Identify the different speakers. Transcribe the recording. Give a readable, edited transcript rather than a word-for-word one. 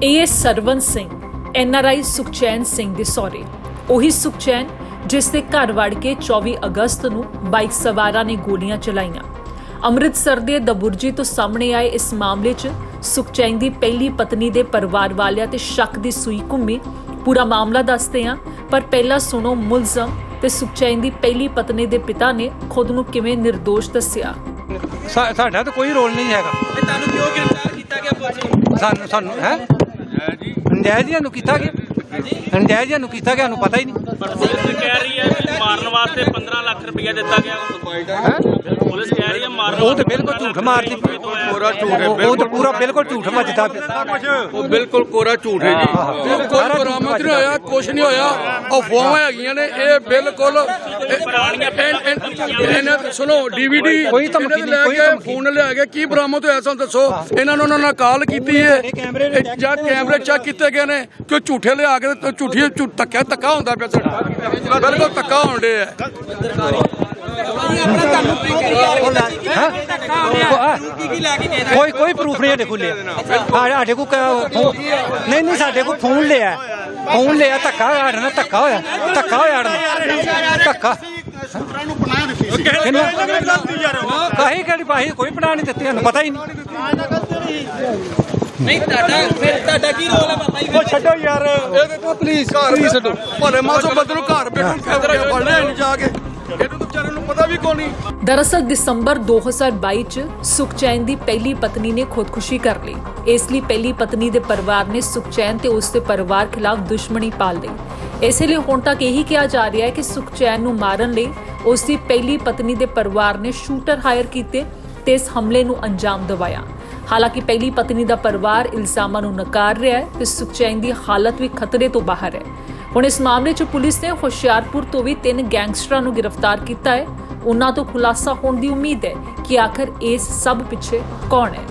Speaker 1: ਇਹ ਸਰਵਨ ਸਿੰਘ NRI ਸੁਖਚੈਨ ਸਿੰਘ ਦੇ ਸਹੁਰੇ, ਉਹੀ ਸੁਖਚੈਨ ਜਿਸ ਦੇ ਘਰ ਵੜ ਕੇ 24 ਅਗਸਤ ਨੂੰ ਬਾਈਕ ਸਵਾਰਾਂ ਨੇ ਗੋਲੀਆਂ ਚਲਾਈਆਂ। ਅੰਮ੍ਰਿਤਸਰ ਦੇ ਦਬੁਰਜੀ ਤੋਂ ਸਾਹਮਣੇ ਆਏ ਇਸ ਮਾਮਲੇ 'ਚ ਸੁਖਚੈਨ ਦੀ ਪਹਿਲੀ ਪਤਨੀ ਦੇ ਪਰਿਵਾਰ ਵਾਲਿਆਂ ਤੇ ਸ਼ੱਕ ਦੀ ਸੂਈ ਘੁੰਮੀ। ਪੂਰਾ ਮਾਮਲਾ ਦੱਸਦੇ ਹਾਂ, ਪਰ ਪਹਿਲਾਂ ਸੁਣੋ ਮੁਲਜ਼ਮ ਤੇ ਸੁਖਚੈਨ ਦੀ ਪਹਿਲੀ ਪਤਨੀ ਦੇ ਪਿਤਾ ਨੇ ਖੁਦ ਨੂੰ ਕਿਵੇਂ ਨਿਰਦੋਸ਼ ਦੱਸਿਆ।
Speaker 2: ਸਾਡਾ ਤਾਂ ਕੋਈ ਰੋਲ ਨਹੀਂ ਹੈਗਾ।
Speaker 3: ਤੁਹਾਨੂੰ ਕਿਉਂ ਗ੍ਰਿਫਤਾਰ ਕੀਤਾ ਗਿਆ ਪੁਲਿਸ?
Speaker 2: ਸਾਨੂੰ ਹੈ ਨਜਾਇਜ਼ ਨੂੰ ਕੀਤਾ ਗਿਆ, ਨਜਾਇਜ਼ ਨੂੰ ਕੀਤਾ ਗਿਆ, ਨੂੰ ਪਤਾ ਹੀ ਨਹੀਂ।
Speaker 4: ਪੁਲਿਸ ਕਹਿ ਰਹੀ ਹੈ ਕਿ ਮਾਰਨ ਵਾਸਤੇ 15 ਲੱਖ ਰੁਪਇਆ ਦਿੱਤਾ ਗਿਆ। ਪੁਲਿਸ ਕਹਿ ਰਹੀ ਹੈ ਮਾਰਨ
Speaker 2: ਉਹ ਤਾਂ ਬਿਲਕੁਲ ਝੂਠ ਮਾਰਦੀ,
Speaker 3: ਕੋਰਾ ਝੂਠ ਹੈ।
Speaker 2: ਉਹ ਤਾਂ ਪੂਰਾ ਬਿਲਕੁਲ ਝੂਠ ਮੱਜਦਾ ਪਿਆ।
Speaker 3: ਉਹ ਬਿਲਕੁਲ ਕੋਰਾ ਝੂਠ ਹੈ ਜੀ।
Speaker 5: ਕੋਈ ਬਰਾਮਦ ਨਹੀਂ ਹੋਇਆ, ਕੁਛ ਨਹੀਂ ਹੋਇਆ। ਅਫਵਾਹਾਂ ਹੈਗੀਆਂ ਨੇ, ਇਹ ਬਿਲਕੁਲ ਇਹਨਾਂ ਸੁਣੋ DVD
Speaker 2: ਕੋਈ ਧਮਕੀ ਨਹੀਂ, ਕੋਈ ਧਮਕੀ
Speaker 5: ਫੋਨ ਲਿਆ ਕੇ ਕੀ ਬਰਾਮਦ ਹੋਇਆ ਸਾਨੂੰ ਦੱਸੋ। ਇਹਨਾਂ ਨੂੰ ਉਹਨਾਂ ਨਾਲ ਕਾਲ ਕੀਤੀ ਹੈ ਜਾਂ ਕੈਮਰੇ ਚੈੱਕ ਕੀਤੇ ਗਏ ਨੇ ਕਿ ਝੂਠੇ ਲਿਆ ਕੇ ਝੂਠੀ ਧੱਕਾ ਹੁੰਦਾ ਪਿਆ ਸਾਡਾ, ਬਿਲਕੁਲ ਧੱਕਾ ਹੋਣ ਡਿਆ ਹੈ।
Speaker 2: ਕੋਈ ਪ੍ਰੂਫ ਨਹੀਂ ਸਾਡੇ ਕੋਲ। ਸਾਡੇ ਕੋਲ ਨਹੀਂ ਸਾਡੇ ਕੋਲ ਫੋਨ ਲਿਆ ਧੱਕਾ ਸਾਡੇ ਨਾਲ ਧੱਕਾ ਹੋਇਆ ਧੱਕਾ ਕਹੀ ਕਿਹੜੀ ਪਾਹੀ ਕੋਈ ਪੜਾ ਨਹੀਂ ਦਿੱਤੀ, ਸਾਨੂੰ ਪਤਾ ਹੀ
Speaker 3: ਨਹੀਂ ਤੁਹਾਡਾ ਕੀ ਰੋਲ ਹੈ ਬਾਬਾ ਜੀ?
Speaker 5: ਉਹ ਛੱਡੋ ਯਾਰ, ਇਹ ਦੇਖੋ ਪੁਲਿਸ ਛੱਡੋ। ਭਲੇ ਮਾਸੋ ਬੰਦੇ ਨੂੰ ਘਰ ਬੈਠਣ ਕੈਮਰਾ ਫੜਨਾ ਨਹੀਂ ਜਾ ਕੇ, ਇਹਨੂੰ ਤਾਂ ਵਿਚਾਰੇ ਨੂੰ ਪਤਾ ਵੀ ਕੋਈ ਨਹੀਂ।
Speaker 1: ਦਰਅਸਲ ਦਸੰਬਰ 2022 ਚ ਸੁਖਚੈਨ ਦੀ ਪਹਿਲੀ ਪਤਨੀ ਨੇ ਖੁਦਕੁਸ਼ੀ ਕਰ ਲਈ। ਇਸ ਲਈ ਪਹਿਲੀ ਪਤਨੀ ਦੇ ਪਰਿਵਾਰ ਨੇ ਸੁਖਚੈਨ ਤੇ ਉਸ ਦੇ ਪਰਿਵਾਰ ਖਿਲਾਫ ਦੁਸ਼ਮਣੀ ਪਾਲ ਲਈ। ਇਸੇ ਲਈ ਹੁਣ ਤੱਕ ਇਹੀ ਕਿਹਾ ਜਾ ਰਿਹਾ ਹੈ ਕਿ ਸੁਖਚੈਨ ਨੂੰ ਮਾਰਨ ਲਈ ਉਸ ਦੀ ਪਹਿਲੀ ਪਤਨੀ ਦੇ ਪਰਿਵਾਰ ਨੇ ਸ਼ੂਟਰ ਹਾਇਰ ਕੀਤੇ ਤੇ ਇਸ ਹਮਲੇ ਨੂੰ ਅੰਜਾਮ ਦਿਵਾਇਆ। ਹਾਲਾਂਕਿ ਪਹਿਲੀ ਪਤਨੀ ਦਾ ਪਰਿਵਾਰ ਇਲਜ਼ਾਮਾਂ ਨੂੰ ਨਕਾਰ ਰਿਹਾ ਹੈ ਤੇ ਸੁਖਚੈਨ ਦੀ ਹਾਲਤ ਵੀ ਖਤਰੇ ਤੋਂ ਬਾਹਰ ਹੈ। ਹੁਣ ਇਸ ਮਾਮਲੇ 'ਚ ਪੁਲਿਸ ਨੇ ਹੁਸ਼ਿਆਰਪੁਰ ਤੋਂ ਵੀ 3 ਗੈਂਗਸਟਰਾਂ ਨੂੰ ਗ੍ਰਿਫਤਾਰ ਕੀਤਾ ਹੈ। ਉਹਨਾਂ ਤੋਂ ਖੁਲਾਸਾ ਹੋਣ ਦੀ ਉਮੀਦ ਹੈ ਕਿ ਆਖਰ ਇਸ ਸਭ ਪਿੱਛੇ ਕੌਣ ਹੈ।